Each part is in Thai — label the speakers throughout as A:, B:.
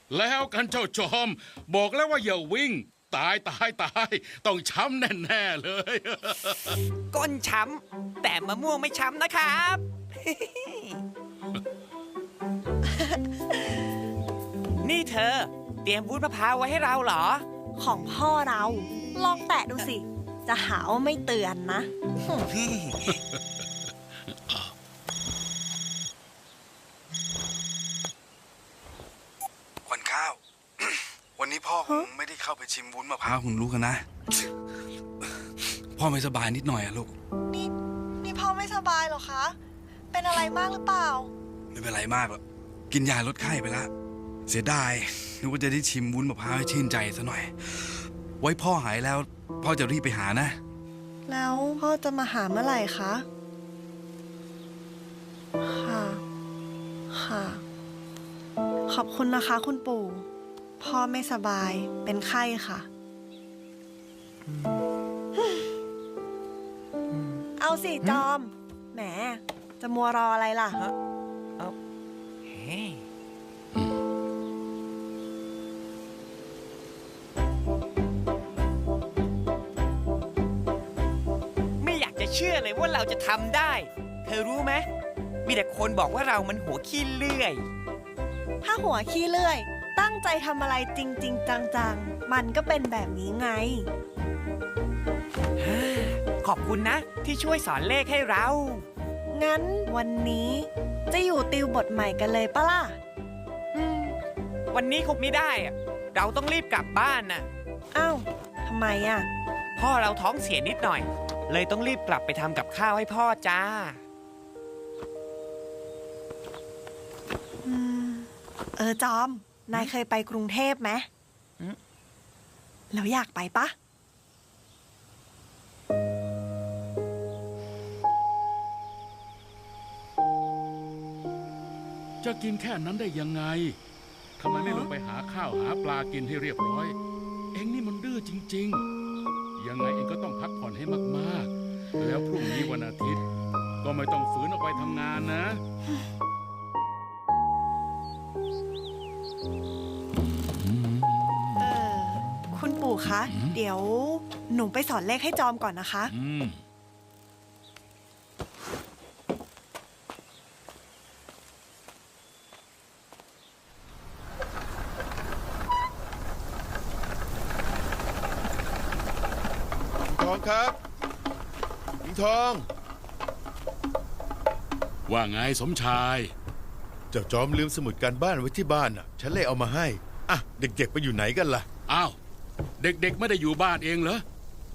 A: แล้วกันเจ้าจอม บอกแล้วว่าอย่าวิ่ง ตายต้องช้ำแน่ๆเลย
B: ก้นช้ำแต่มะม่วงไม่ช้ำนะครับ นี่เธอ เตรียมวุ้นมะพร้าวไว้ให้เราเหรอ
C: ของพ่อเรา ลองแตะดูสิ จะหาว่าไม่เตือนนะ
D: ขวัญข้าว วันนี้พ่อคงไม่ได้เข้าไปชิมวุ้นมะพร้าวคุณรู้กันนะ พ่อไม่สบายนิดหน่อยอะลูก
C: นี่พ่อไม่สบายหรอคะ เป็นอะไรมากหรือเปล่า
D: ไม่เป็นไรมากหรอกกินยาลดไข้ไปแล้ว เสียดายนึกว่าจะได้ชิมวุ้นมะพร้าวให้ชื่นใจซะหน่อย ไว้พ่อหายแล้ว พ่อจะรีบไปหานะ
C: แล้วพ่อจะมาหาเมื่อไหร่คะ ค่ะ ค่ะ ขอบคุณนะคะคุณปู่ พ่อไม่สบาย เป็นไข้ค่ะ เอาสิจอม แหม จะมัวรออะไรล่ะ
B: ไม่อยากจะเชื่อเลยว่าเราจะทำได้ เธอรู้ไหม มีแต่คนบอกว่าเรามันหัวขี้เลื่อย
C: ถ้าหัวขี้เลื่อย ตั้งใจทำอะไรจริง ๆ จัง ๆ มันก็เป็นแบบนี้ไง
B: ขอบคุณนะ ที่ช่วยสอนเลขให้เรา
C: งั้นวันนี้จะอยู่ติวบทใหม่กันเลยปะล่ะ
B: วันนี้คงไม่ได้อะเราต้องรีบกลับบ้านน่ะ
C: อ้าว ทำไมอ่ะ
B: พ่อเราท้องเสียนิดหน่อย เลยต้องรีบกลับไปทำกับข้าวให้พ่อจ้า
C: จอม นายเคยไปกรุงเทพไหม แล้วอยากไปปะ
A: จะกินแค่นั้นได้ยังไง ทำไมไม่ลงไปหาข้าวหาปลากินให้เรียบร้อย เอ็งนี่มันดื้อจริงๆ ยังไงเอ็งก็ต้องพักผ่อนให้มากๆ แล้วพรุ่งนี้วันอาทิตย์ ก็ไม่ต้องฝืนออกไปทำงานนะ
C: คุณปู่คะ เดี๋ยวหนูไปสอนเลขให้จอมก่อนนะคะ
E: ทองครับปิงทอง
A: ว่าไงสมชาย
E: เจ้าจอมลืมสมุดการบ้านไว้ที่บ้านน่ะ ฉันเลยเอามาให้ อ่ะ เด็กๆไปอยู่ไหนกันล่ะ
A: อ้าว เด็กๆไม่ได้อยู่บ้านเองเหรอ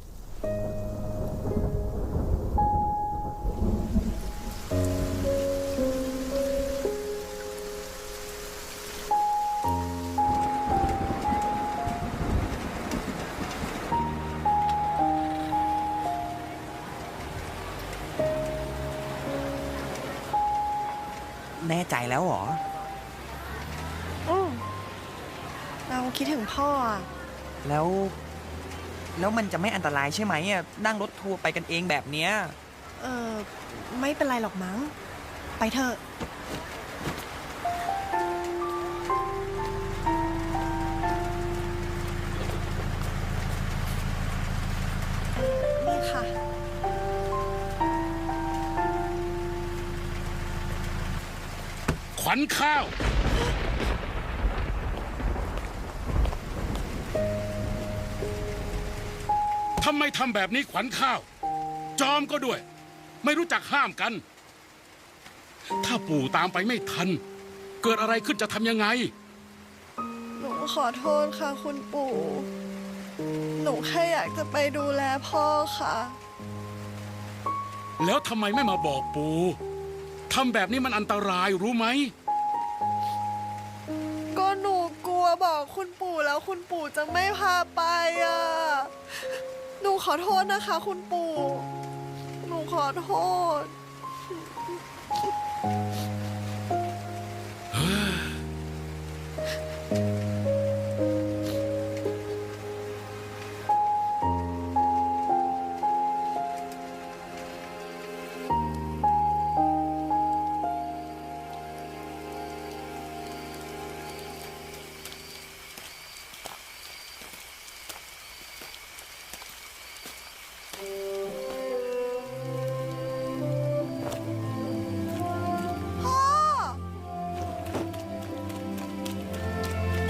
B: แน่ใจแล้วเหรอ
C: เราคิดถึงพ่ออะ
B: แล้วมันจะไม่อันตรายใช่ไหมอ่ะนั่งรถทัวร์ไปกันเองแบบเนี้ย
C: ไม่เป็นไรหรอกมั้ง ไปเถอะ นี่ค่ะ
A: ขวัญข้าว ทำไมทำแบบนี้ขวัญข้าว จอมก็ด้วย ไม่รู้จักห้ามกัน ถ้าปู่ตามไปไม่ทัน เกิดอะไรขึ้นจะทำยังไง
C: หนูขอโทษค่ะคุณปู่ หนูแค่อยากจะไปดูแลพ่อค่ะ
A: แล้วทำไมไม่มาบอกปู่ทำแบบนี้มันอันตรายรู้ไหม
C: ก็หนูกลัวบอกคุณปู่แล้วคุณปู่จะไม่พาไปอ่ะ หนูขอโทษนะคะคุณปู่ หนูขอโทษ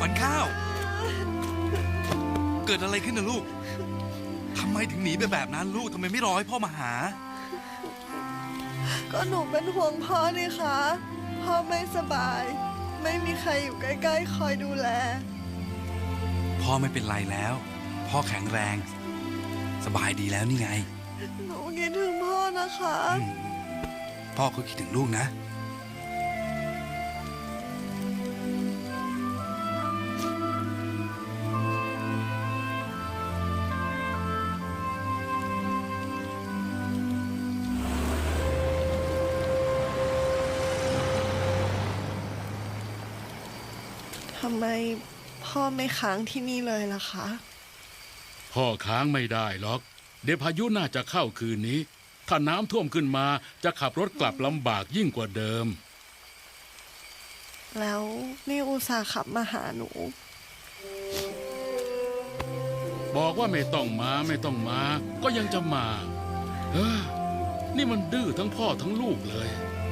D: ขวัญข้าว เกิดอะไรขึ้นนะลูกทำไมถึงหนีไปแบบนั้นลูกทำไมไม่รอให้พ่อมาหา
C: ก็หนูเป็นห่วงพ่อนี่คะพ่อไม่สบาย ไม่มีใครอยู่ใกล้ๆคอยดูแล
D: พ่อไม่เป็นไรแล้ว พ่อแข็งแรง สบายดีแล้วนี่ไง
C: หนูคิดถึงพ่อนะคะ
D: พ่อก็คิดถึงลูกนะ
C: ทำไมพ่อไม่ค้างที่นี่เลยล่ะคะ
A: พ่อค้างไม่ได้หรอก เดี๋ยวพายุน่าจะเข้าคืนนี้ ถ้าน้ำท่วมขึ้นมาจะขับรถกลับลำบากยิ่งกว่าเดิม
C: แล้วนี่อุตส่าห์ขับมาหาหนู
A: บอกว่าไม่ต้องมาไม่ต้องมา ก็ยังจะมาเฮ้อนี่มันดื้อทั้งพ่อทั้งลูกเลย